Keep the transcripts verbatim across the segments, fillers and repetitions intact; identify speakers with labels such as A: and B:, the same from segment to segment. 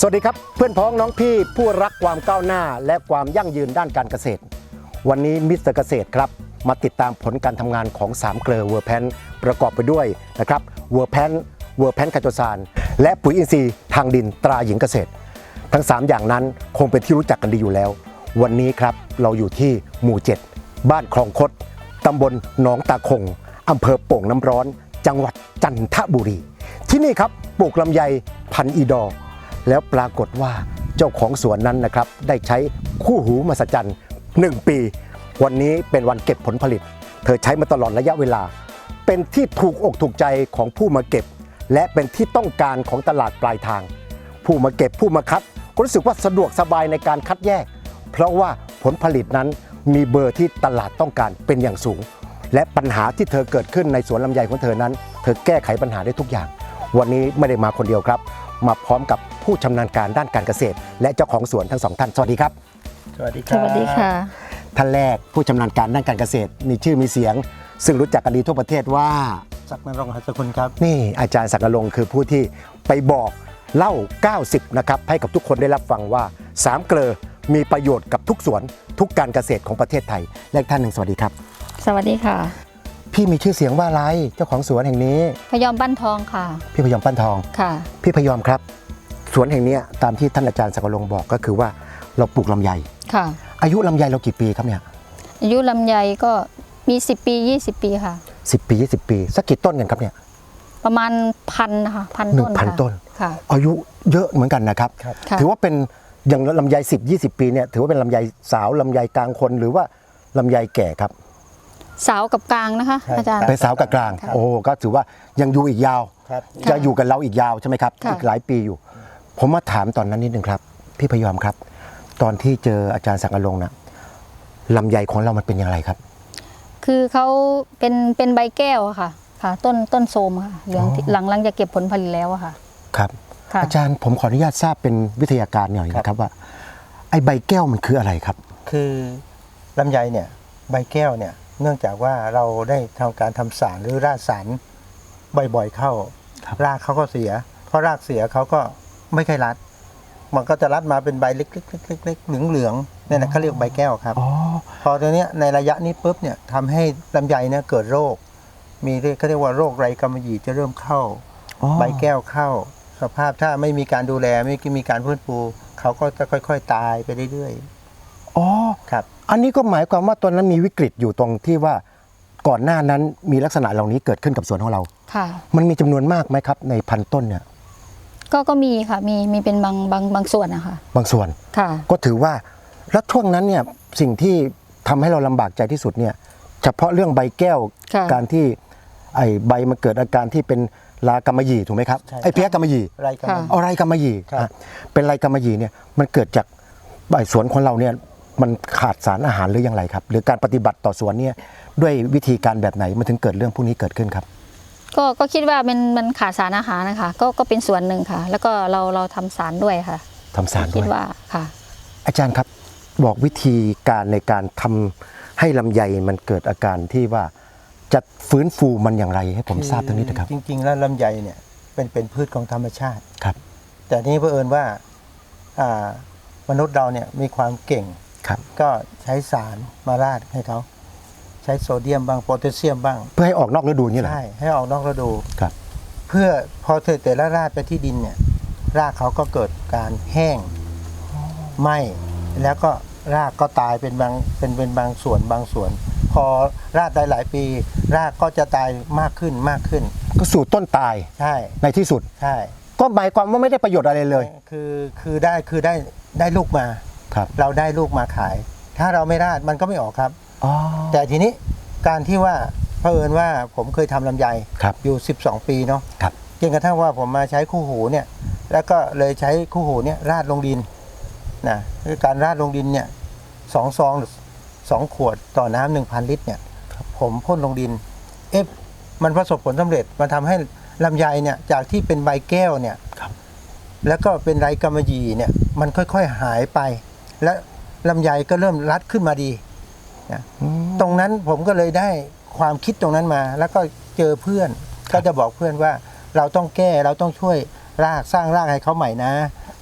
A: วัสดีครับเพื่อนพ้องน้องพี่ผู้รักความก้าวหน้าและความยั่งยืนด้านการเกษตรวันนี้มิสเตอร์เกษตรครับมาติดตามผลการทำงานของสามเกลือเวอร์แพนประกอบไปด้วยนะครับเวอร์แพนเวอร์แพนไคโตซานและปุ๋ยอินทรีย์ทางดินตราหญิงเกษตรทั้งสามอย่างนั้นคงเป็นที่รู้จักกันดีอยู่แล้ววันนี้ครับเราอยู่ที่หมู่เจ็ดบ้านคลองคดตำบลหนองตาคงอำเภอโป่งน้ำร้อนจังหวัดจันทบุรีที่นี่ครับปลูกลำไยพันธุ์อีดอร์แล้วปรากฏว่าเจ้าของสวนนั้นนะครับได้ใช้คู่หูมหัศจรรย์หนึ่งปีวันนี้เป็นวันเก็บผลผลิตเธอใช้มาตลอดระยะเวลาเป็นที่ถูกอกถูกใจของผู้มาเก็บและเป็นที่ต้องการของตลาดปลายทางผู้มาเก็บผู้มาคัดก็รู้สึกว่าสะดวกสบายในการคัดแยกเพราะว่าผลผลิตนั้นมีเบอร์ที่ตลาดต้องการเป็นอย่างสูงและปัญหาที่เธอเกิดขึ้นในสวนลำไยของเธอนั้นเธอแก้ไขปัญหาได้ทุกอย่างวันนี้ไม่ได้มาคนเดียวครับมาพร้อมกับผู้ชำนาญการด้านการเกษตรและเจ้าของสวนทั้งสองท่านสวัสดีครับ
B: สวัสดีครับ
C: สวัสดีค่ะ
A: ท่านแรกผู้ชำนาญการด้านการเกษตรมีชื่อมีเสียงซึ่งรู้จักกันดีทั่วประเทศว่า
B: ศักดิ์นรงค์หัสกุลครับ
A: นี่อาจารย์ศักดิ์นรงค์คือผู้ที่ไปบอกเล่าเก้าสิบนะครับให้กับทุกคนได้รับฟังว่าสามเกลอมีประโยชน์กับทุกสวนทุกการเกษตรของประเทศไทยและท่านหนึ่งสวัสดีครับ
C: สวัสดีค่ะ
A: พี่มีชื่อเสียงว่าอะไรเจ้าของสวนแห่งนี้
C: พยอมปั้นทองค่ะ
A: พี่พยอมปั้นทอง
C: ค่ะ
A: พี่พยอมครับสวนแห่งนี้ตามที่ท่านอาจารย์ศักดิ์นรงค์บอกก็คือว่าเราปลูกลำไยค่ะอายุลำไยเรากี่ปีครับเนี่ย
C: อายุลำไยก็มีสิบปียี่สิบปีค่ะ
A: สิบปียี่สิบปีสักกี่ต้นกันครับเนี่ย
C: ประมาณพันค่ะพันต้น
A: หนึ่งพันต้น
C: ค่ะ
A: อายุเยอะเหมือนกันนะครับถือว่าเป็นอย่างลำไยสิบ ยี่สิบปีเนี่ยถือว่าเป็นลำไยสาวลำไยกลางคนหรือว่าลำไยแก่ครับ
C: สาวกับกลางนะคะอาจารย์
A: เป็นสาวกับกลางโอ้ก็ถือว่ายังอยู่อีกยาวจะอยู่กับเราอีกยาวใช่ไหมครับอีกหลายปีอยู่ผมมาถามตอนนั้นนิดนึงครับพี่พยอมครับตอนที่เจออาจารย์ศักดิ์นรงค์นะลำไยของเรามันเป็นอย่างไรครับ
C: คือเขาเป็นเป็นใบแก้วค่ะค่ะต้นต้นโทรมค่ะเหลืองหลังหลังจะเก็บผลผลิตแล้วค่ะ
A: ครับอาจารย์ผมขออนุญาตทราบเป็นวิทยาการหน่อยนะครับว่าไอ้ใบแก้วมันคืออะไรครับ
B: คือลำไยเนี่ยใบแก้วเนี่ยเนื่องจากว่าเราได้ทำการทำสารหรือราดสารบ่อยๆเข้ารากเขาก็เสียเพราะรากเสียเขาก็ไม่ค่อยรัดมันก็จะรัดมาเป็นใบเล็กๆๆๆเหลืองๆเนี่ยนะเขาเรียกใบแก้วครับพอตัวเนี้ยในระยะนี้ปุ๊บเนี่ยทำให้ลำไยเนี่ยเกิดโรคมีเรียกเขาเรียกว่าโรคไรกำมะหยี่จะเริ่มเข้าใบแก้วเข้าสภาพถ้าไม่มีการดูแลไม่มีการฟื้นฟูเขาก็จะค่อยๆตายไปเรื่อย
A: ๆอ๋อ
B: ครับ
A: อันนี้ก็หมายความว่าตอนนั้นมีวิกฤตอยู่ตรงที่ว่าก่อนหน้านั้นมีลักษณะเหล่านี้เกิดขึ้นกับสวนของเรา
C: ค่ะ
A: มันมีจำนวนมากไหมครับในพันต้นเนี่ย
C: ก็ก็มีค่ะมีมีเป็นบางบางบางส่วนนะคะ
A: บางส่วน
C: ค่ะ
A: ก็ถือว่าแล้วช่วงนั้นเนี่ยสิ่งที่ทำให้เราลำบากใจที่สุดเนี่ยเฉพาะเรื่องใบแก้วการที่ไอ้ใบมันเกิดอาการที่เป็นลากำมะหยี่ถูกไหมครับไอ้เพี้ยกำมะหยี่
B: ไรกำมะหยี่
A: เอาไรกำมะหยี่เป็นไรกำมะหยี่เนี่ยมันเกิดจากใบสวนของเราเนี่ยมันขาดสารอาหารหรือยังไรครับหรือการปฏิบัติต่อสวนเนี่ยด้วยวิธีการแบบไหนมันถึงเกิดเรื่องพวกนี้เกิดขึ้นครับ
C: ก็ก็คิดว่ามันมันขาดสารอาหารนะคะก็ก็เป็นส่วนหนึ่งค่ะแล้วก็เราเราทำสารด้วยค่ะ
A: ทำสารด้วย
C: คิดว่าค่ะ
A: อาจารย์ครับบอกวิธีการในการทำให้ลำไยมันเกิดอาการที่ว่าจะฟื้นฟูมันอย่างไรให้ผมทราบตรงนี้นะครับ
B: จริงๆแล้วลำไยเนี่ยเป็นเป็นพืชของธรรมชาติ
A: ครับ
B: แต่นี้เผอิญว่าอ่ามนุษย์เราเนี่ยมีความเก่งก็ใช้สารมาราดให้เขาใช้โซเดียมบ้างโพแทสเซียมบ้าง
A: เพื่อให้ออกนอกฤดูนี่แหละ
B: ใช่ให้ออกนอกฤดู
A: ครับ
B: เพื่อพอเธอแต่ละราดไปที่ดินเนี่ยรากเขาก็เกิดการแห้งไหม้แล้วก็รากก็ตายเป็นบางเป็นเป็นบางส่วนบางส่วนพอราดได้หลายปีรากก็จะตายมากขึ้นมากขึ้น
A: ก็สู่ต้นตาย
B: ใช่
A: ในที่สุด
B: ใช่
A: ก็หมายความว่าไม่ได้ประโยชน์อะไรเลย
B: คือคือได้คือได้ได้ลูกมาเราได้ลูกมาขายถ้าเราไม่ราดมันก็ไม่ออกครับแต่ทีนี้การที่ว่าเผอิญว่าผมเคยทำลำไยอยู่สิบสองปีเนาะจนกระทั่งว่าผมมาใช้คู่หูเนี่ยแล้วก็เลยใช้คู่หูเนี่ยราดลงดินนะคือการราดลงดินเนี่ยสองซองสองขวดต่อน้ำหนึ่งพันลิตรเนี่ยผมพ่นลงดินเอ๊ะมันประสบผลสำเร็จมันทำให้ลำไยเนี่ยจากที่เป็นใบแก้วเนี่ยแล้วก็เป็นไรกำมะหยี่เนี่ยมันค่อยๆหายไปและลำไยก็เริ่มรัดขึ้นมาดีนะตรงนั้นผมก็เลยได้ความคิดตรงนั้นมาแล้วก็เจอเพื่อนก็จะบอกเพื่อนว่าเราต้องแก้เราต้องช่วยรากสร้างรากให้เขาใหม่นะ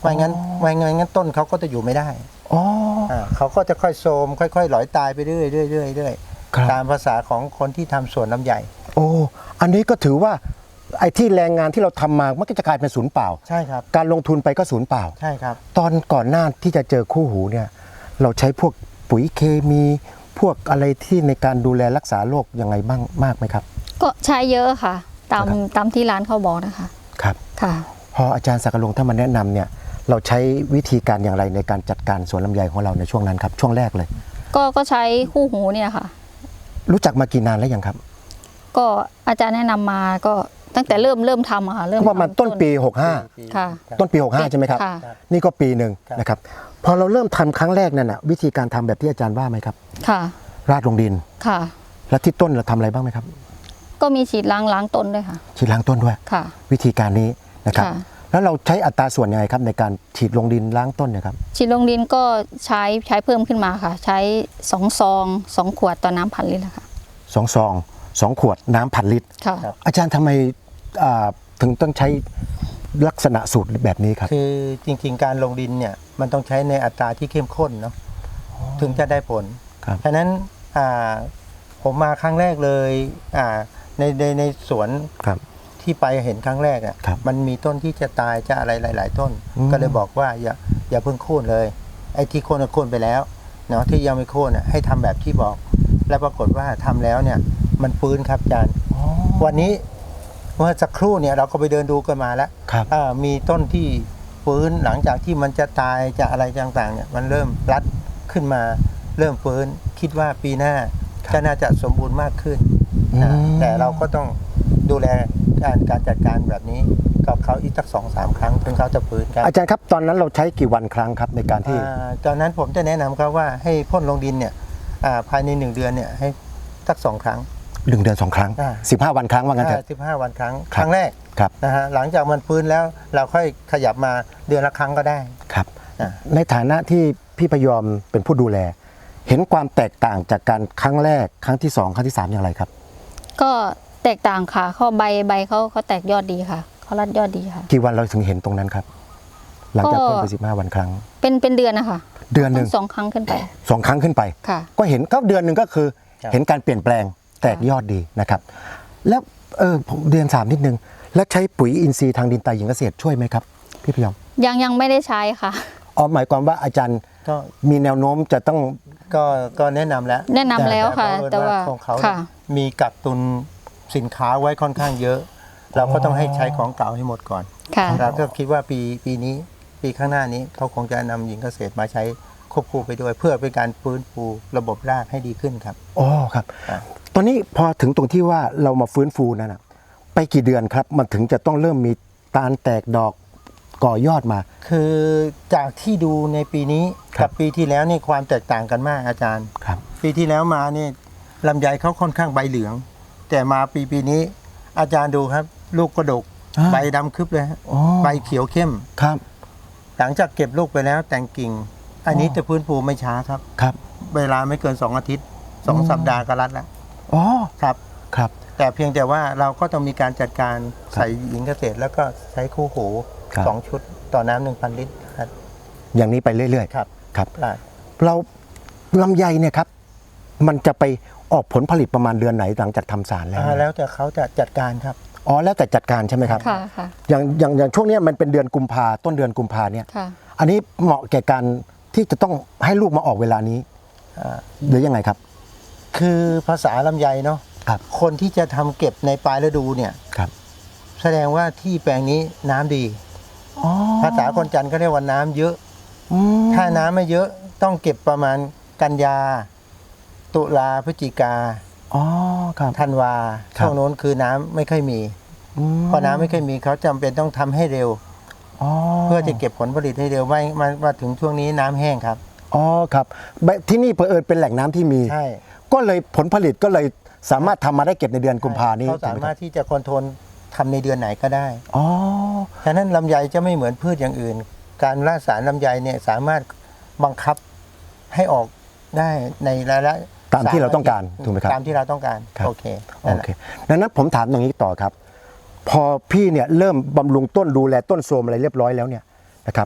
B: ไม่งั้นไม่งั้นงั้นต้นเขาก็จะอยู่ไม่ได้
A: อ๋อ
B: อ่าเขาก็จะค่อยโทรมค่อยๆหลอยตายไปเรื่อยๆเรื่อยๆเรื่อย
A: ครับ
B: ๆตามภาษาของคนที่ทำสวนลำไย
A: โอ้อันนี้ก็ถือว่าไอ้ที่แรงงานที่เราทำมามันก็จะกลายเป็นศูนย์เปล่า
B: ใช่ครับ
A: การลงทุนไปก็ศูนย์เปล่า
B: ใช่ครับ
A: ตอนก่อนหน้าที่จะเจอคู่หูเนี่ยเราใช้พวกปุ๋ยเคมีพวกอะไรที่ในการดูแลรักษาโรคยังไงบ้างมากไหมครับ
C: ก็ใช้เยอะค่ะ ตาม
A: ครับ
C: ตามที่ร้านเขาบอกนะคะ
A: ครับ
C: ค่ะ
A: พออาจารย์ศักดิ์ลงถ้ามาแนะนำเนี่ยเราใช้วิธีการอย่างไรในการจัดการสวนลำไยของเราในช่วงนั้นครับช่วงแรกเลย
C: ก็ก็ใช้คู่หูเนี่ยค่ะ
A: รู้จักมากี่นานแล้วยังครับ
C: ก็อาจารย์แนะนำมาก็ตั้งแต่เริ่มเริ่มทำอะค่ะเริ่ม
A: ก็ประมาณ
C: ทำ
A: ต้นปีหกห้า
C: ค่ะ
A: ต้นปีหกห้าใช่ไหมครับ
C: ค่ะ
A: นี่ก็ปีหนึ่ง
B: ครับ
A: นะครับพอเราเริ่มทำครั้งแรกนั่นน่ะวิธีการทำแบบที่อาจารย์ว่าไหมครับ
C: ค่ะ
A: ราดลงดิน
C: ค่ะ
A: แล้วที่ต้นเราทำอะไรบ้างไหมครับ
C: ก็มีฉีดล้างล้างต้นด้วยค่ะ
A: ฉีดล้างต้นด้วย
C: ค่ะ
A: วิธีการนี้นะครับ
C: ค่ะ
A: แล้วเราใช้อัตราส่วนยังไงครับในการฉีดลงดินล้างต้นเนะครับ
C: ฉีดลงดินก็ใช้ใช้เพิ่มขึ้นมาค่ะ ใช้สองซองสองขวดต่อน้ำพันลิตรค่ะ
A: สองซองสองขวดน้ำพันลิตร
C: ค่ะ
A: อาจารย์ทำไมอ่าถึงต้องใช้ลักษณะสูตรแบบนี้ครับ
B: คือจริงๆการลงดินเนี่ยมันต้องใช้ในอัตราที่เข้มข้นเนาะถึงจะได้ผล
A: ครับ
B: เพราะฉะนั้นอ่าผมมาครั้งแรกเลยอ่าในในในสวน
A: ครับ
B: ที่ไปเห็นครั้งแรกอ่ะ
A: ครับ
B: มันมีต้นที่จะตายจะอะไรหลาย ๆ ต้น
A: อืม
B: ก็เลยบอกว่าอย่าอย่าเพิ่งโค่นเลย ไอ้ที่โค่นก็โค่นไปแล้วเนาะที่ยังไม่โค่นอ่ะให้ทำแบบที่บอก แล้วปรากฏว่าทำแล้วเนี่ยมันฟื้นครับอาจารย์ วันนี้เมื่อสักครู่เนี่ยเราก็ไปเดินดูกันมาแล้ว
A: ครับ
B: อ่ามีต้นที่ฟื้นหลังจากที่มันจะตายจะอะไรต่างๆเนี่ยมันเริ่มรัดขึ้นมาเริ่มฟื้นคิดว่าปีหน้าก็น่าจะสมบูรณ์มากขึ้นนะ
A: อืม
B: แต่เราก็ต้องดูแลการการจัดการแบบนี้กับเขาอีกสักสองสามครั้งถึงเขาจะฟื้นครับ
A: อาจารย์ครับตอนนั้นเราใช้กี่วันครั้งครับในการที่
B: อ่าตอนนั้นผมจะแนะนำครับว่าให้พ่นลงดินเนี่ยอ่าภายในหนึ่งเดือนเนี่ยให้สักสองครั้ง
A: หนึ่งเดือนสองครั้ง
B: อ่า
A: สิบห้าวันครั้งว่างั้นเถอะ
B: สิบห้าวันครั้ง
A: ค
B: ครับ รั้งแรก
A: ครับ
B: นะฮะหลังจากมันฟื้นแล้วเราค่อยขยับมาเดือนละครั้งก็ได้
A: ครับ
B: อ่า
A: ในฐานะที่พี่พยอมเป็นผู้ดูแล เห็นความแตกต่างจากการครั้งแรกครั้งที่สองครั้งที่สามอย่างไรครับ
C: ก็แตกต่างค่ะเขาใบใบเขาเขาแตกยอดดีค่ะเขารัดยอดดีค่ะ
A: กี่วันเราถึงเห็นตรงนั้นครับ หลังจาก
C: ก็
A: พ่นไปสิบห้าวันครั้ง
C: เป็นเป็นเดือนนะคะ
A: เดือนหนึ่ง
C: สองครั้งขึ้นไป
A: สองครั้งขึ้นไป
C: ค่ะ
A: ก็เห็นก็เดือนหนึ่งก็คือ
B: ครับ
A: เห็นการเปลี่ยนแปลงแตกยอดดีนะครับ แล้วเออผมเดือนสามนิดนึง แล้วใช้ปุ๋ยอินทรีย์ทางดินตาหญิงเกษตรช่วยไหมครับพี่พยอม
C: ยังยังไม่ได้ใช้ค่ะ
A: อ๋อหมายความว่าอาจารย์
B: ก็
A: มีแนวโน้มจะต้อง
B: ก็ก็แนะนำแล้ว
C: แนะนำแล้วค่ะ
B: แต่
C: แต่ว่า
B: ของเขา
C: ค่ะ
B: มีกักตุนสินค้าไว้ค่อนข้างเยอะ เราก็ต้องให้ใช้ของเก่าให้หมดก่อน
C: ค่ะ
B: เราก็คิดว่าปีปีนี้ปีข้างหน้านี้เขาคงจะนำหญิงเกษตรมาใช้ควบคู่ไปด้วย เพื่อเป็นการฟื้นฟูระบบรากให้ดีขึ้นครับ
A: อ๋อครับ
B: อ่า
A: ตอนนี้พอถึงตรงที่ว่าเรามาฟื้นฟูนั่นนะไปกี่เดือนครับ มันถึงจะต้องเริ่มมีตาลแตกดอกก่อยอดมา
B: คือจากที่ดูในปีนี้
A: ครั
B: กับ บปีที่แล้วนี่ความแตกต่างกันมากอาจารย์
A: ครับ
B: ปีที่แล้วมานี่ลำไยเขาค่อนข้างใบเหลือง แต่มาปีปีนี้อาจารย์ดูครับ ลูกกระดก
A: อ่า
B: ใบดำคึบเลยฮะ
A: อ๋อ
B: ใบเขียวเข้ม
A: ครับ
B: หลังจากเก็บลูกไปแล้วแต่งกิ่ง อันนี้
A: อ๋อ
B: จะฟื้นฟูไม่ช้าครับ
A: ครับ
B: เวลาไม่เกินสองอาทิตย์สอง
A: อืม
B: สัปดาห์ก็รัดแล้ว
A: อ๋อ
B: ครับ
A: ครับ
B: แต่เพียงแต่ว่าเราก็ต้องมีการจัดการ
A: ครับ
B: ใส่หญิงเกษตร แล้วก็ใช้คู่หู
A: ครับ
B: สองชุดต่อน้ำหนึ่งพันลิตรครับ
A: อย่างนี้ไปเรื่อย
B: ครับ
A: ๆครับ
B: ได้
A: เราลำไยเนี่ยครับ มันจะไปออกผลผลิตประมาณเดือนไหนหลังจากทำสารแล้ว
B: อ่าแล้วแต่เขาจะจัดการครับ
A: อ๋อแล้วแต่จัดการใช่ไหมครับ
C: ค่ะค่ะ
A: อย่างอย่างอย่างช่วงเนี้ยมันเป็นเดือนกุมภาต้นเดือนกุมภาเนี่ย
C: ค่ะ
A: อันนี้เหมาะแก่การที่จะต้องให้ลูกมาออกเวลานี้
B: อ่า
A: หรือยังไงครับ
B: คือภาษาลำไยเนาะ
A: ครับ
B: คนที่จะทำเก็บในปลายฤดูเนี่ย
A: ครับ
B: แสดงว่าที่แปลงนี้น้ำดี
A: อ๋อ
B: ภาษาคนจันทร์เขาเรียกว่าน้ำเยอะ
A: อืม
B: ถ้าน้ำไม่เยอะต้องเก็บประมาณกันยา ตุลาพฤศจิกา
A: อ๋อครับ
B: ธันวา
A: ครับ
B: ช่วงโน้นคือน้ำไม่ค่อยมี
A: ม
B: พอน้ำไม่ค่อยมีเขาจำเป็นต้องทำให้เร็ว
A: อ๋อ
B: เพื่อจะเก็บผลผลิตให้เร็วไม่มามาถึงช่วงนี้น้ำแห้งครับ
A: อ๋อครับแบบที่นี่เผอิญเป็นแหล่งน้ำที่มี
B: ใช่
A: ก็เลยผลผลิตก็เลยสามารถทำมาได้เก็บในเดือนกุมภานี้
B: เขาสามารถที่จะคอนโทรลทำในเดือนไหนก็ได้
A: อ๋อ
B: ฉะนั้นลำไยจะไม่เหมือนพืชอย่างอื่น การล่าสารลำไยเนี่ยสามารถบังคับให้ออกได้ในระยะ
A: ตามที่เราต้องการถูกไหมครับ
B: ตามที่เราต้องการ
A: ครับ
B: โอเค
A: โอ
B: นั่นแหละ
A: เคดังนั้นผมถามตรงนี้ต่อครับ พอพี่เนี่ยเริ่มบำรุงต้นดูแลต้นโทรมอะไรเรียบร้อยแล้วเนี่ยนะครับ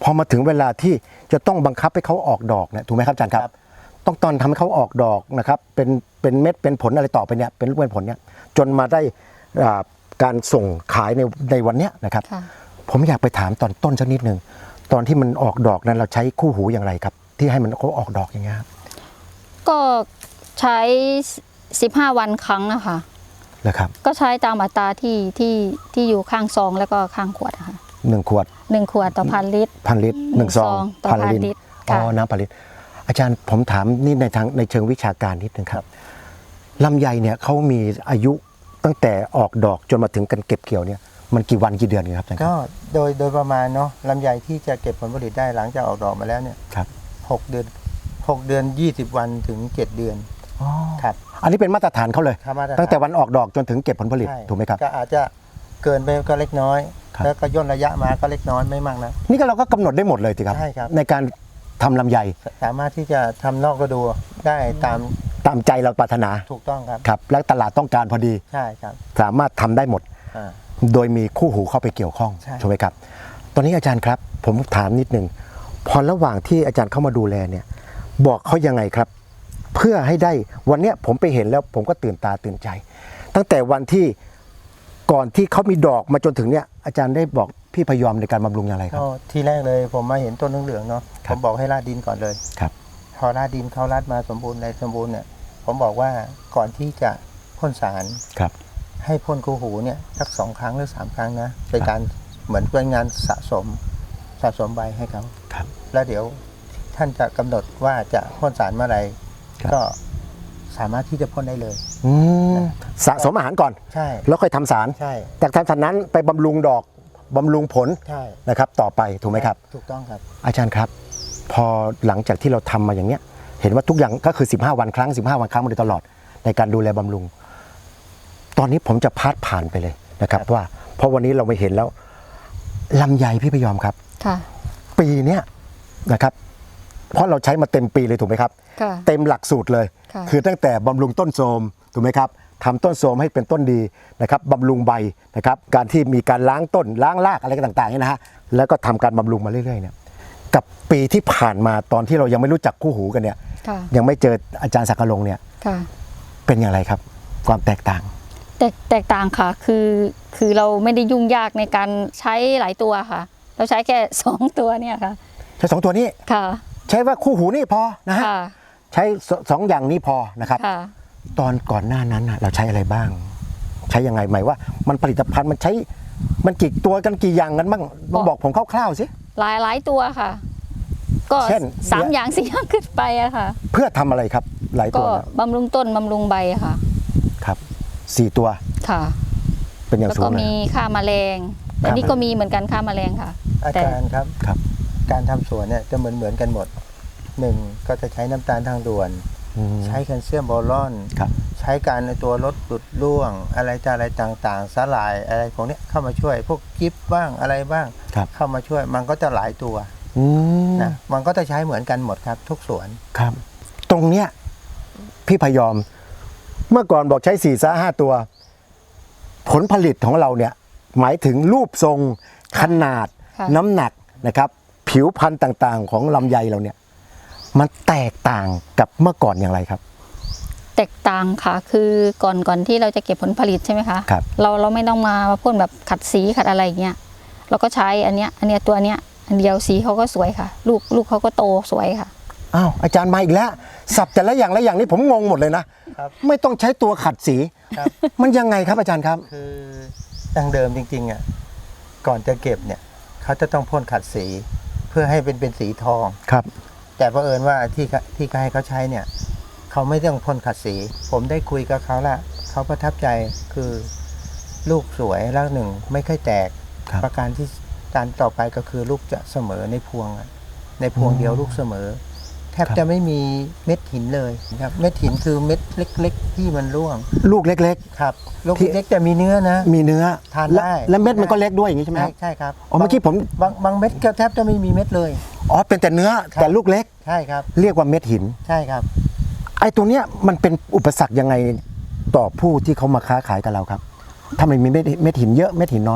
A: พอมาถึงเวลาที่จะต้องบังคับให้เขาออกดอกเนี่ยถูกไหมครับอาจารย์ครับ ต้องตอนทำให้เขาออกดอกนะครับเป็นเป็นเม็ดเป็นผลอะไรต่อไปเนี่ยเป็นลูกเป็นผลเนี่ยจนมาได้อ่าการส่งขายในในวันเนี้ยนะครับ
C: ค่ะ
A: ผมอยากไปถามตอนต้นสักนิดหนึ่งตอนที่มันออกดอกนั้นเราใช้คู่หูอย่างไรครับ ที่ให้มันเขาออกดอกอย่างเงี้ยครับ
C: ก็ใช้สิบห้าวันครั้งนะคะ
A: นะครับ
C: ก็ใช้ตามอัตราที่ที่ที่อยู่ข้างซองแล้วก็ข้างขวดอะค่ะ
A: หนึ่งขวด
C: หนึ่งขวดต่อพันลิตร
A: พันลิตรหนึ่งซอง
C: ต่อพันลิตร
A: อ๋อ
C: ค่ะ
A: น้ำพันลิตรอาจารย์ผมถามนี่ในทางในเชิงวิชาการนิดนึงครับลำไยเนี่ยเขามีอายุตั้งแต่ออกดอกจนมาถึงกันเก็บเกี่ยวเนี่ยมันกี่วันกี่เดือนครับอาจารย์ค
B: ก็
A: รับ
B: โดยโดยประมาณเนาะลำไยที่จะเก็บผลผลิตได้หลังจากออกดอกมาแล้วเนี่ย
A: ครับ
B: หกเดือนหกเดือนยี่สิบวันถึงเจ็ดเดือน
A: อ๋อ
B: ครับ
A: อันนี้เป็นมาตรฐานเขาเลย
B: ครับมาตรฐาน
A: ตั้งแต่วันออกดอกจนถึงเก็บผลผลิต
B: ใช่
A: ถูกไหมครับ
B: ก็อาจจะเกินไปก็เล็กน้อย
A: ครับ
B: แล้วก็ย่นระยะมาก็เล็กน้อยไม่มากนะ
A: นี่ก็เราก็กำหนดได้หมดเลยสิครับ
B: ใช่ครับ
A: ในการทำลำไย
B: สามารถที่จะทำนอกฤดูได้ตาม
A: ตามใจเราปรารถนา
B: ถูกต้องครับ
A: ครับและตลาดต้องการพอดี
B: ใช่ครับ
A: สามารถทำได้หมด
B: อ่า
A: โดยมีคู่หูเข้าไปเกี่ยวข้อง
B: ใช่
A: ถูกไหมครับ ตอนนี้อาจารย์ครับ ผมถามนิดนึงพอระหว่างที่อาจารย์เข้ามาดูแลเนี่ยบอกเขายังไงครับ เพื่อให้ได้วันเนี้ยผมไปเห็นแล้วผมก็ตื่นตาตื่นใจ ตั้งแต่วันที่ก่อนที่เขามีดอกมาจนถึงเนี่ยอาจารย์ได้บอกพี่พยอมในการบำรุงอย่างไรครับ
B: ก็ทีแรกเลยผมมาเห็นต้นเหลืองๆเนาะ
A: ค
B: ผ
A: รับ
B: มบอกให้ราดดินก่อนเลย
A: ครับ
B: พอราดดินเขาราดมาสมบูรณ์ในสมบูรณ์เนี่ยผมบอกว่าก่อนที่จะพ่นสาร
A: ครับ
B: ให้พ่นคู่หูเนี่ยสักสองครั้งหรือสามครั้งนะเป็นการเหมือนเป็นงานสะสมสะสมใบให้เขา
A: ครับ
B: แล้วเดี๋ยวท่านจะกำหนดว่าจะพ่นสารเมื่อไหร
A: ครับ
B: ก็สามารถที่จะพ่นได้เลย
A: อืมสะสมอาหารก่อน
B: ใช่
A: แล้วค่อยทำสาร
B: ใช่
A: จากทำสารนั้นไปบำรุงดอกบำรุงผล
B: ใช่
A: นะครับ ต่อไปถูกไหมครับ
B: ถูกต้องครับ
A: อาจารย์ครับ พอหลังจากที่เราทำมาอย่างเนี้ย เห็นว่าทุกอย่างก็คือสิบห้าวันครั้งสิบห้าวันครั้งมาโดยตลอดในการดูแลบำรุง ตอนนี้ผมจะพาดผ่านไปเลยนะครับ
B: ครับ
A: ว่าเพราะวันนี้เราไม่เห็นแล้วลำไยพี่พยอมครับ
C: ค่ะ
A: ปีเนี้ยนะครับ เพราะเราใช้มาเต็มปีเลยถูกไหมครับ
C: ค่ะ
A: เต็มหลักสูตรเลย
C: ค่ะ
A: คือตั้งแต่บำรุงต้นโทรมถูกไหมครับทำต้นโทรมให้เป็นต้นดีนะครับบำรุงใบนะครับ การที่มีการล้างต้นล้างรากอะไรต่างๆเนี่ยนะฮะแล้วก็ทำการบำรุงมาเรื่อยๆเนี่ยกับปีที่ผ่านมาตอนที่เรายังไม่รู้จักคู่หูกันเนี่ย
C: ค่ะ
A: ยังไม่เจออาจารย์ศักดิ์ลงเนี่ย
C: ค่ะ
A: เป็นอย่างไรครับ ความแตกต่าง
C: แตกแตกต่างค่ะ คือคือเราไม่ได้ยุ่งยากในการใช้หลายตัวค่ะ เราใช้แค่ สองตัวเนี่ยค่ะ
A: ใช้สองตัวนี้
C: ค่ะ
A: ใช้ว่าคู่หูนี่พอนะฮะ
C: ค่ะ
A: ใช้สสองอย่างนี้พอนะครับ
C: ค่ะ
A: ตอนก่อนหน้านั้นน่ะเราใช้อะไรบ้าง ใช้ยังไงหมายว่ามันผลิตภัณฑ์มันใช้มันกี่ตัวกันกี่อย่างกันบ้างลองบอกผมคร่าวๆสิ
C: หลายหลายตัวค่ะ ก็
A: เช่น
C: สามอย่างสี่อย่างขึ้นไปอะค่ะ
A: เพื่อทำอะไรครับหลายตั
C: ก็
A: วนะ
C: บำรุงต้นบำรุงใบอะค่ะ
A: ครับสี่ตัว
C: ค่ะ
A: เป็นอย่าง
C: แล้ว
A: สู
C: ก็
A: งเลย
C: มีค่าแมลงแต่นี่ก็มีเหมือนกันค่าแมลงค่ะ
B: อา
C: แต่
B: จารย์ครับ
A: ครับ
B: การทำสวนเนี่ยจะเหมือนเหมือนกันหมดหนึ่งก็จะใช้น้ำตาลทางด่วน
A: อืม
B: ใช้แคลเซียมบอรอน
A: ครับ
B: ใช้การในตัวลดหลุดร่วง อะไรจะอะไรต่างๆ สลายอะไรพวกเนี้ยเข้ามาช่วยพวกกิฟบ้างอะไรบ้าง
A: ครับ
B: เข้ามาช่วยมันก็จะหลายตัว
A: อืม
B: นะมันก็จะใช้เหมือนกันหมดครับ ทุกสวน
A: ครับ ตรงเนี้ยพี่พยอม เมื่อก่อนบอกใช้สี่ซะห้าตัว ผลผลิตของเราเนี่ย หมายถึงรูปทรงขนาด
C: ค่ะ
A: น้ำหนักนะครับ ผิวพันธุ์ต่างๆ ของลำไยเราเนี่ย มันแตกต่างกับเมื่อก่อนอย่างไรครับ
C: แตกต่างค่ะ คือก่อนก่อนที่เราจะเก็บผลผลิตใช่ไหมคะ
A: ครับ
C: เราเราไม่ต้องมาพ่นแบบขัดสีขัดอะไรอย่างเงี้ยเราก็ใช้อันเนี้ยอันเนี้ยตัวเนี้ยอันเดียวสีเขาก็สวยค่ะ ลูกลูกเขาก็โตสวยค่ะ
A: อ้าวอาจารย์มาอีกแล้ว สับแต่ละอย่างละอย่างนี่ผมงงหมดเลยนะครับ ไม่ต้องใช้ตัวขัดสี
B: ครับ
A: มันยังไงครับอาจารย์ครับ
B: คือดั้งเดิมจริงๆอ่ะก่อนจะเก็บเนี่ยเขาจะต้องพ่นขัดสี เพื่อให้เป็นเป็นสีทอง
A: ครับ
B: แต่เผอิญว่าที่เขาที่เขาให้เขาใช้เนี่ยเขาไม่ต้องพ่นขัดสี ผมได้คุยกับเขาละเขาประทับใจคือลูกสวยแล้วหนึ่งไม่ค่อยแตก
A: ครับ
B: ประการที่การต่อไปก็คือลูกจะเสมอในพวงอะในพวงเดียวลูกเสมอ แทบ
A: ครับ
B: จะไม่มีเม็ดหินเลยครับเม็ดหินคือเม็ดเล็ก ๆ ที่มันร่วง
A: ลูกเล็ก
B: ครับลูก
A: ที่
B: เล็กๆแต่มีเนื้อนะ
A: ๆ มีเนื้อ
B: ทาน
A: และ
B: ได้
A: และเม็ดมันก็เล็กด้วยอย่างนี้ใช่ไหมค
B: ใช่
A: รับ
B: ใช่ครับ
A: อ๋อเมื่อกี้ผม
B: บางบางเม็ดก็แทบจะไม่มีเม็ดเลย
A: อ๋อเป็นแต่เนื้อ
B: ครับ
A: แต่ลูกเล็ก
B: ใช่ครับ
A: เรียกว่าเม็ดหิน
B: ใช่ครับ
A: ไอ้ตัวเนี้ยมันเป็นอุปสรรคยังไงต่อผู้ที่เขามาค้าขายกับเราครับถ้ามันมีเม็ดเม็ดหินเยอะเม็ดหินน้อยเนี่ย
C: ถ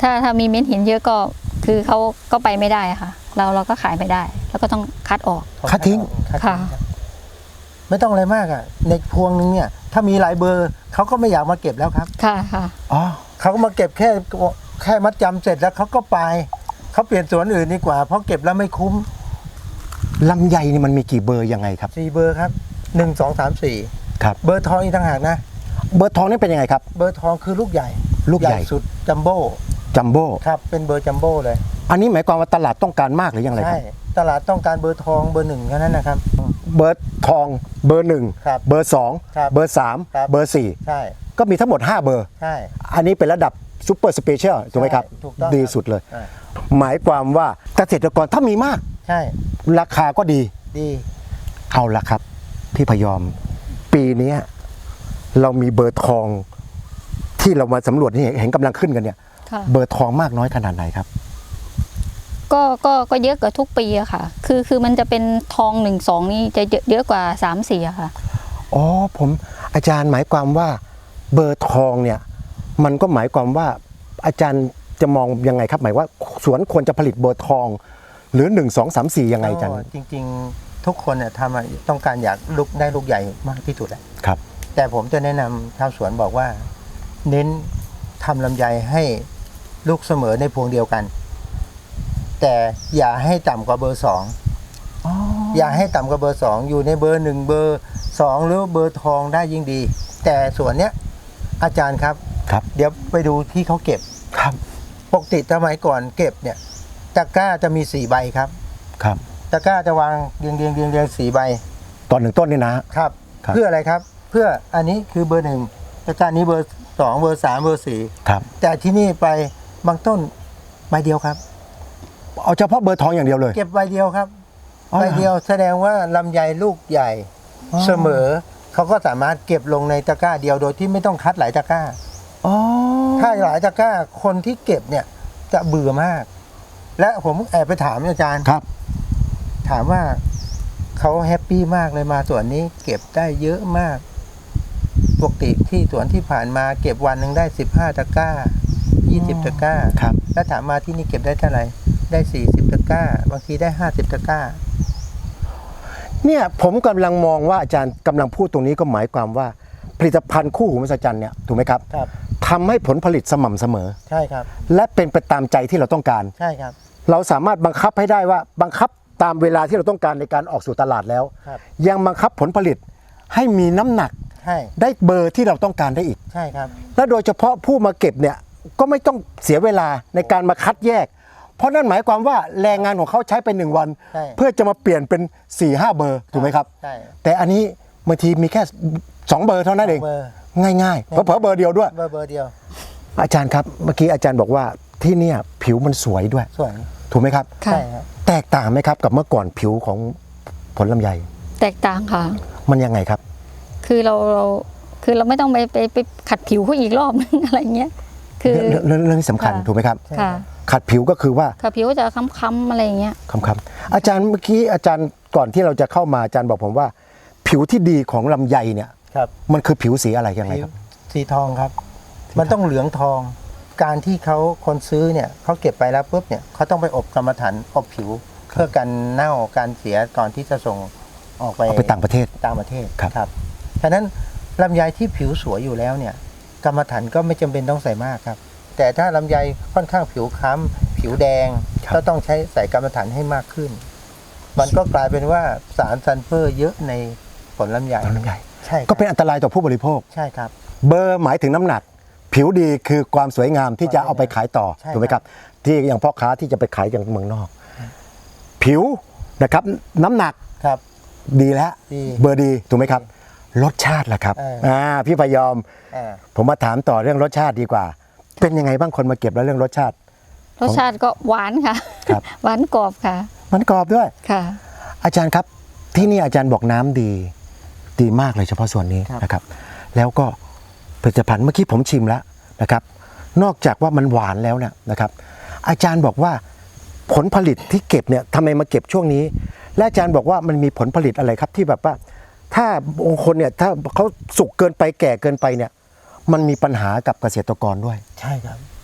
C: ถ้าถ้ามีเม็ดหินเยอะก็คือเขาก็ไปไม่ได้ค่ะ เราเราก็ขายไม่ได้ แล้วก็ต้องคัดออก
A: คัดทิ้ง
B: คัด
C: ค่ะ
B: รับไม่ต้องอะไรมากอ่ะในพวงนึงเนี่ยถ้ามีหลายเบอร์เขาก็ไม่อยากมาเก็บแล้วครับ
C: ค่ะค่ะ
A: อ๋อ
B: เขาก็มาเก็บแค่แค่มัดจำเสร็จแล้วเขาก็ไปเขาเปลี่ยนสวนอื่นดีกว่าเพราะเก็บแล้วไม่คุ้ม
A: ลำไยนี่มันมีกี่เบอร์ยังไงครับ
B: สี่เบอร์ครับหนึ่งสองสามสี่
A: ครับ
B: เบอร์ทองอีกต่างหากนะ
A: เบอร์ทองนี่เป็นยังไงครับ
B: เบอร์ทองคือลูกใหญ่
A: ลูกใหญ่
B: สุดจัมโบ้
A: จัมโบ้
B: ครับเป็นเบอร์จัมโบ้เลย
A: อันนี้หมายความว่าตลาดต้องการมากหรือยังไงค
B: ใช่
A: รับ
B: ตลาดต้องการเบอร์ทองเบอร์หนึ่งแค่นั้นนะครับ
A: เบอร์ทองเบอร์หนึ่ง
B: ครับ
A: เบอร์สอง
B: ครับ
A: เบอร์สาม
B: ครับ
A: เบอร์สี่
B: ใช่
A: ก็มีทั้งหมดห้าเบอร์
B: ใช่
A: อันนี้เป็นระดับซูเปอร์สเปเชียลถูกไหมครับ
B: ใช่ถูกต้อง
A: ดี
B: ครับ
A: สุดเลย
B: อ่า
A: หมายความว่าเกษตรกรถ้ามีมาก
B: ใช่
A: ราคาก็ดี
B: ดี
A: เอาละครับ พี่พยอม ปีนี้เรามีเบอร์ทองที่เรามาสำรวจนี่เห็นกำลังขึ้นกันเนี่ย
C: ค่ะ
A: เบอร์ทองมากน้อยขนาดไหนครับ
C: ก็ก็ก็เยอะกว่าทุกปีอะค่ะ คือคือมันจะเป็นทองหนึ่งสองนี่จะเยอะเยอะกว่าสามสี่อะค่ะ
A: อ๋อผมอาจารย์หมายความว่าเบอร์ทองเนี่ยมันก็หมายความว่าอาจารย์จะมองยังไงครับ หมายว่าสวนควรจะผลิตเบอร์ทอง หรือหนึ่งสองสามสี่ยังไงอาจารย์
B: ก็จริงๆ ทุกคนเนี่ยทำอะต้องการอยากลูกได้ลูกใหญ่มากที่สุดแหละ
A: ครับ
B: แต่ผมจะแนะนำชาวสวนบอกว่า เน้นทำลำไยให้ลูกเสมอในพวงเดียวกัน แต่อย่าให้ต่ำกว่าเบอร์สองอย่าให้ต่ำกว่าเบอร์สองอยู่ในเบอร์หนึ่งเบอร์สองหรือเบอร์ทองได้ยิ่งดี แต่ส่วนเนี้ยอาจารย์ครับ
A: ครับ
B: เดี๋ยวไปดูที่เขาเก็บ
A: ครับ
B: ปกติสมัยก่อนเก็บเนี่ยตะกร้าจะมีสี่ใบครับ
A: ครับ
B: ตะกร้าจะวางเรียงเรียงเรียงเรียงสี่ใบ
A: ตอนหนึ่งต้นนี่นะ
B: ครับ
A: ครับ
B: เพื่ออะไรครับ เพื่ออันนี้คือเบอร์หนึ่งตะกร้านี้เบอร์สองเบอร์สามเบอร์สี่
A: ครับ
B: แต่ที่นี่ไปบางต้นใบเดียวครับ
A: เอาเฉพาะเบอร์ทองอย่างเดียวเลย
B: เก็บใบเดียวครับ
A: อ๋อ
B: ใบ
A: เหรอ
B: เดียวแสดงว่าลำไยลูกใหญ่
A: อ๋อ
B: เสมอเขาก็สามารถเก็บลงในตะกร้าเดียวโดยที่ไม่ต้องคัดหลายตะกร้า
A: อ๋อ
B: ถ้าหลายตะกร้าคนที่เก็บเนี่ยจะเบื่อมาก และผมแอบไปถามอาจารย์
A: ครับ
B: ถามว่าเขาแฮปปี้มากเลยมาสวนนี้เก็บได้เยอะมากปกติที่สวนที่ผ่านมาเก็บวันหนึ่งได้สิบห้าตะกร้ายี่สิบตะกร้า
A: ครับ
B: แล้วถามมาที่นี่เก็บได้เท่าไหร่ได้สี่สิบตะกร้า บางทีได้ห้าสิบตะกร้า
A: เนี่ยผมกำลังมองว่าอาจารย์กำลังพูดตรงนี้ก็หมายความว่าผลิตภัณฑ์คู่หูมหัศจรรย์เนี่ยถูกไหมครับ
B: ครับ
A: ทำให้ผลผลิตสม่ำเสมอ
B: ใช่ครับ
A: และเป็นไปตามใจที่เราต้องการ
B: ใช่ครับ
A: เราสามารถบังคับให้ได้ว่าบังคับตามเวลาที่เราต้องการในการออกสู่ตลาดแล้ว
B: ครับ
A: ยังบังคับผลผลิตให้มีน้ำหนัก
B: ใช่
A: ได้เบอร์ที่เราต้องการได้อีก
B: ใช่ครับ
A: และโดยเฉพาะผู้มาเก็บเนี่ยก็ไม่ต้องเสียเวลาในการมาคัดแยก เพราะนั่นหมายความว่าแรงงานของเขาใช้ไปหนึ่งวัน
B: ใช่
A: เพื่อจะมาเปลี่ยนเป็น4ี่ห้าเบอร์ถูกไหมครับ
B: ใช่
A: แต่อันนี้บางทีมีแค่สองเบอร์เท่านั้นเอง
B: เบอร์
A: ง่ายๆเผลอๆเบอร์เดียวด้วย
B: เบอร์เบอร์เดียว
A: อาจารย์ครับเมื่อกี้อาจารย์บอกว่าที่เนี่ยผิวมันสวยด้วย
B: สวย
A: ถูกไหมครับ
C: ค่ะ
B: ใช่ครับ
A: แตกต่างไหมครับกับเมื่อก่อนผิวของผลลำไย
C: แตกต่างค่ะ
A: มันยังไงครับ
C: คือเราเราคือเราไม่ต้องไปไปไปขัดผิวเขาอีกรอบนึง อะไรเงี้ย คือ
A: เรื่องเรื่องเรื่องที่สำคัญ
C: ค่ะ
A: ถูกไหมครับ
C: ค่ะ
A: ขัดผิวก็คือว่า
C: ค่ะผิวจะค้ำๆอะไรเงี้ย
A: คำคำๆอาจารย์เมื่อกี้อาจารย์ก่อนที่เราจะเข้ามาอาจารย์บอกผมว่า ผิวที่ดีของลำไยเนี่ย
B: ครับ
A: มันคือผิวสีอะไรยังไงครับ
B: สีทองครับ มันต้องเหลืองทอง การที่เขาคนซื้อเนี่ยเขาเก็บไปแล้วปุ๊บเนี่ยเขาต้องไปอบกรรมฐานอบผิว เพื่อกันเน่าการเสียก่อนที่จะส่งออกไป
A: เอาไปต่างประเทศ
B: ต่างประเทศ
A: ครับ
B: ครับฉะนั้นลำไยที่ผิวสวยอยู่แล้วเนี่ยกรรมฐานก็ไม่จำเป็นต้องใส่มากครับ แต่ถ้าลำไยค่อนข้างผิวค้ำผิวแดงก็ต้องใช้ใส่กรรมฐานให้มากขึ้น มันก็กลายเป็นว่าสารซัลเฟอร์เยอะในผลลำไย
A: ผลลำไย
B: ใช่ครับ
A: ก็เป็นอันตรายต่อผู้บริโภค
B: ใช่ครับ
A: เบอร์หมายถึงน้ำหนัก ผิวดีคือความสวยงามที่จะเอาไปขายต่อ
B: ใช่
A: ถูกไหมครับ ที่อย่างพ่อค้าที่จะไปขายอย่างเมืองนอก ผิวนะครับน้ำหนัก
B: ครับ
A: ดีแล้ว
B: ดี
A: เบอร์ดีถูกไหมครับ รสชาติล่ะครับ
B: เอออ่
A: อ่าพี่พยอม
B: อ่า
A: ผมมาถามต่อเรื่องรสชาติดีกว่า เป็นยังไงบ้างคนมาเก็บแล้วเรื่องรสชาติ
C: รสชาติก็หวานค่ะ
A: ครับ
C: หวานกรอบค่ะ
A: มันกรอบด้วย
C: ค่ะ
A: อาจารย์ครับที่นี่อาจารย์บอกน้ำดีดีมากเลยเฉพาะส่วนนี้
B: ครับ
A: นะครับ แล้วก็ผลิตภัณฑ์เมื่อกี้ผมชิมแล้วนะครับ นอกจากว่ามันหวานแล้วเนี่ยนะครับ อาจารย์บอกว่าผลผลิตที่เก็บเนี่ยทำไมมาเก็บช่วงนี้ และอาจารย์บอกว่ามันมีผลผลิตอะไรครับที่แบบว่า ถ้าบางคนเนี่ยถ้าเขาสุกเกินไปแก่เกินไปเนี่ย มันมีปัญหากับเกษตรกรด้วย
B: ใช่ครับ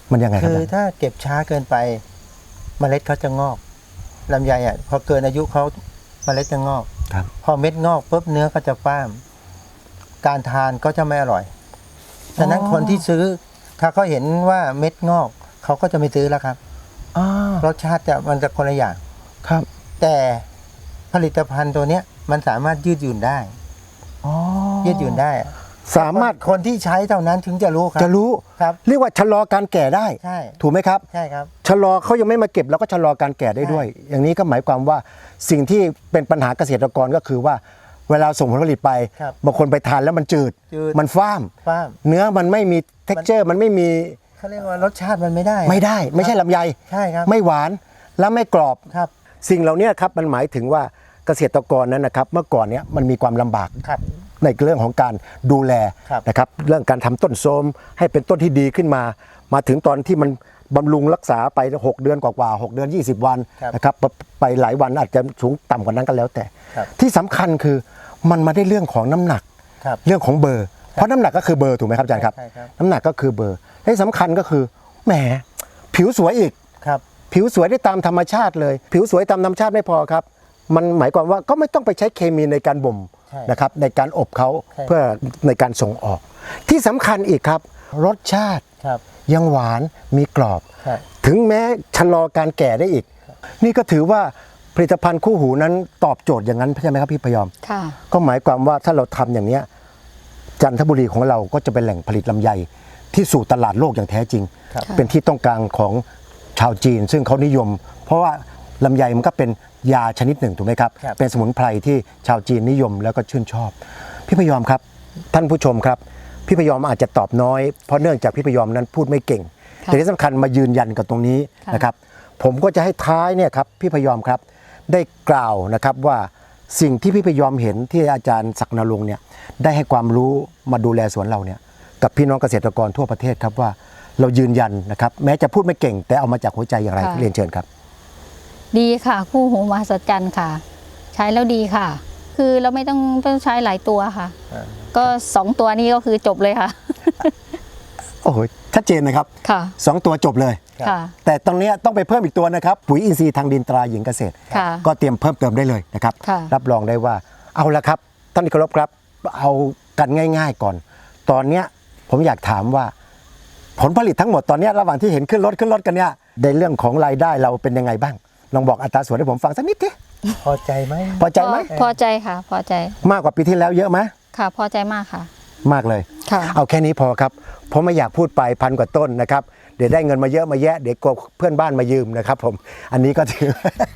A: มันยังไงครับ
B: คือถ้าเก็บช้าเกินไปเมล็ดเขาจะงอกลำไยอ่ะพอเกินอายุเขาเมล็ดจะงอก
A: ครับ
B: พอเม็ดงอกปุ๊บเนื้อก็จะฟ้าม การทานก็จะไม่อร่อยดังนั้นคนที่ซื้อถ้าเขาเห็นว่าเม็ดงอกเขาก็จะไม่ซื้อแล้วครับ
A: อ่าร
B: สชาติจะมันจะคนละอย่าง
A: ครับ
B: แต่ผลิตภัณฑ์ตัวเนี้ยมันสามารถยืดหยุ่นได้
A: อ๋อ
B: ยืดหยุ่นได้
A: สามารถ
B: คนที่ใช้เท่านั้นถึงจะรู้ครับ
A: จะรู้
B: ครับ
A: เรียกว่าชะลอการแก่ได้
B: ใช่
A: ถูกไหมครับ
B: ใช่ครับ
A: ชะลอเขายังไม่มาเก็บเราก็ชะลอการแก่ได้ด้วย อย่างนี้ก็หมายความว่าสิ่งที่เป็นปัญหาเกษตรกรก็คือว่า เวลาส่งผลผลิตไป
B: ครับ
A: บางคนไปทานแล้วมันจืด
B: จืด
A: มันฟ้าม
B: ฟ้าม
A: เนื้อมันไม่มี เท็กเจอร์ มันไม่มี
B: เขาเรียกว่ารสชาติมันไม่ได้
A: ไม่ได้ ไม่ใช่ลำไย
B: ใช่ครับ
A: ไม่หวานและไม่กรอบ
B: ครับ
A: สิ่งเหล่านี้ครับมันหมายถึงว่าเกษตรกรนั้นนะครับเมื่อก่อนเนี้ยมันมีความลำบาก
B: ครับ
A: ในเรื่องของการดูแล
B: ครับ
A: นะครับเรื่องการทำต้นโทรมให้เป็นต้นที่ดีขึ้นมา มาถึงตอนที่มันบำรุงรักษาไป หก เดือนกว่าๆหกเดือน ยี่สิบ วัน
B: ครับ
A: นะครับไปหลายวันอาจจะสูงต่ำกว่านั้นก็แล้วแต่
B: ครับ
A: ที่สำคัญคือมันมาได้เรื่องของน้ำหนัก
B: ครับ
A: เรื่องของเบอร์ เพราะน้ำหนักก็คือเบอร์ถูกไหมครับอาจารย์ครับ
B: ใช่ครับ
A: น้ำหนักก็คือเบอร์และที่สำคัญก็คือแหมผิวสวยอีก
B: ครับ
A: ผิวสวยได้ตามธรรมชาติเลย ผิวสวยตามธรรมชาติไม่พอครับ มันหมายความว่าก็ไม่ต้องไปใช้เคมีในการบ่ม
B: ใช่
A: นะครับในการอบเขา
B: ใช่
A: เพื่อในการส่งออก ที่สำคัญอีกครับ รสชาติ
B: ครับ
A: ยังหวานมีกรอบ
B: ครับ
A: ถึงแม้ชะลอการแก่ได้อีก นี่ก็ถือว่าผลิตภัณฑ์คู่หูนั้นตอบโจทย์อย่างนั้นใช่ไหมครับพี่พยอม
C: ค่ะ
A: ก็หมายความว่าถ้าเราทำอย่างเนี้ยจันทบุรีของเราก็จะเป็นแหล่งผลิตลำไยที่สู่ตลาดโลกอย่างแท้จริง
B: ครับ
A: เป็นที่ต้องการของชาวจีน ซึ่งเขานิยม เพราะว่าลำไยมันก็เป็นยาชนิดหนึ่งถูกไหมครับ
B: ครับ
A: เป็นสมุนไพรที่ชาวจีนนิยมแล้วก็ชื่นชอบ พี่พยอมครับ ท่านผู้ชมครับ พี่พยอมอาจจะตอบน้อย เพราะเนื่องจากพี่พยอมนั้นพูดไม่เก่ง
C: ค่ะ
A: แต่ที่สำคัญมายืนยันกับตรงนี้
C: ค่ะ
A: นะครับ ผมก็จะให้ท้ายเนี่ยครับพี่พยอมครับได้กล่าวนะครับว่าสิ่งที่พี่พยอมเห็นที่อาจารย์ศักดิ์นรงค์เนี่ยได้ให้ความรู้มาดูแลสวนเราเนี่ยกับพี่น้องเกษตรกรทั่วประเทศครับว่าเรายืนยันนะครับแม้จะพูดไม่เก่ง แต่เอามาจากหัวใจอย่างไร
C: ค่ะ
A: เรียนเชิญครับ
C: ดีค่ะ คู่หูมหัศจรรย์ค่ะ ใช้แล้วดีค่ะ คือเราไม่ต้องต้องใช้หลายตัวค่ะ
B: อ่า
C: ก็สองตัวนี้ก็คือจบเลยค่ะ
A: โอ้โหชัดเจนนะครับ
C: ค่ะ
A: สองตัวจบเลย
B: ครับ
C: ค่ะ
A: แต่ตรงเนี้ยต้องไปเพิ่มอีกตัวนะครับปุ๋ยอินทรีย์ทางดินตราหญิงเกษตร
C: ค่ะ
A: ก็เตรียมเพิ่มเติมได้เลยนะครับ
C: ค่ะ
A: รับรองได้ว่าเอาละครับท่านที่เคารพครับเอากันง่าย ๆก่อน ตอนเนี้ยผมอยากถามว่า ผลผลิตทั้งหมดตอนเนี้ยระหว่างที่เห็นขึ้นรถขึ้นรถกันเนี่ยในเรื่องของรายได้เราเป็นยังไงบ้างลองบอกอัตราส่วนให้ผมฟังสักนิดที
B: พอใจไหม
A: พอใจไหม
C: พอพอใจค่ะ พอใจ
A: มากกว่าปีที่แล้วเยอะไหม
C: ค่ะ พอใจมากค่ะ
A: มากเลย
C: ค่ะ
A: เอาแค่นี้พอครับเพราะไม่อยากพูดไปพันกว่าต้นนะครับเดี๋ยวได้เงินมาเยอะมาแยะเดี๋ยวกลัวเพื่อนบ้านมายืมนะครับผมอันนี้ก็ถือ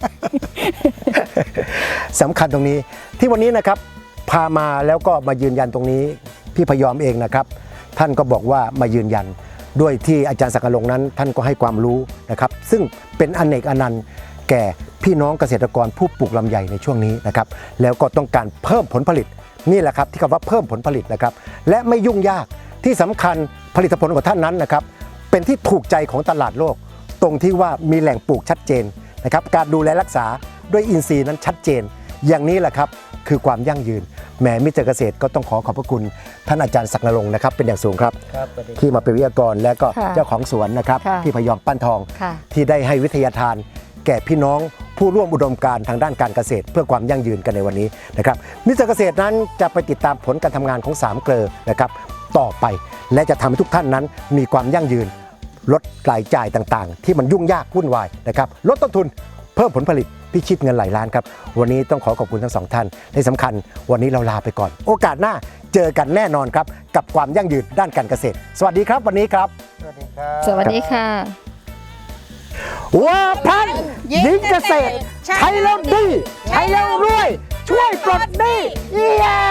A: สำคัญตรงนี้ที่วันนี้นะครับพามาแล้วก็มายืนยันตรงนี้พี่พยอมเองนะครับ ท่านก็บอกว่ามายืนยันด้วยที่อาจารย์ศักดิ์นรงค์นั้น ท่านก็ให้ความรู้นะครับ ซึ่งเป็นอเนกอนันต์แก่พี่น้องเกษตรกรผู้ปลูกลำไยในช่วงนี้นะครับ แล้วก็ต้องการเพิ่มผลผลิตนี่แหละครับที่คำว่าเพิ่มผลผลิตนะครับ และไม่ยุ่งยากที่สำคัญผลิตผลของท่านนั้นนะครับ เป็นที่ถูกใจของตลาดโลก ตรงที่ว่ามีแหล่งปลูกชัดเจนนะครับ การดูแลรักษาด้วยอินทรีย์นั้นชัดเจน อย่างนี้แหละครับคือความยั่งยืนแหมมิสเตอร์เกษตรก็ต้องขอขอบพระคุณท่านอาจารย์ศักดิ์นรงค์นะครับเป็นอย่างสูงครับ
B: ครับสวัสดี
A: ที่มาเป็นวิทยากรและก็
C: ค่ะ
A: เจ้าของสวนนะครับ
C: ค่ะ
A: พี่พยอมปั้นทอง
C: ค่ะ
A: ที่ได้ให้วิทยาทาน แก่พี่น้องผู้ร่วมอุดมการณ์ทางด้านการเกษตร เพื่อความยั่งยืนกันในวันนี้นะครับมิสเตอร์เกษตรนั้นจะไปติดตามผลการทำงานของสามเกลอนะครับต่อไปและจะทำให้ทุกท่านนั้นมีความยั่งยืนลดรายจ่ายต่างๆ ที่มันยุ่งยากวุ่นวายนะครับลดต้นทุนเพิ่มผลผลิตพิชิตเงินหลายล้านครับวันนี้ต้องขอขอบคุณทั้งสองท่านในสำคัญวันนี้เราลาไปก่อน โอกาสหน้าเจอกันแน่นอนครับกับความยั่งยืนด้านการเกษตร สวัสดีครับวันนี้ครับ
B: สวัสดีครับ
C: สวัสดีค่ะ
A: วัวพันธุ์หญิงเกษตร ใช้แล้วดี ใช้แล้วรวย ช่วยปลดหนี้เย้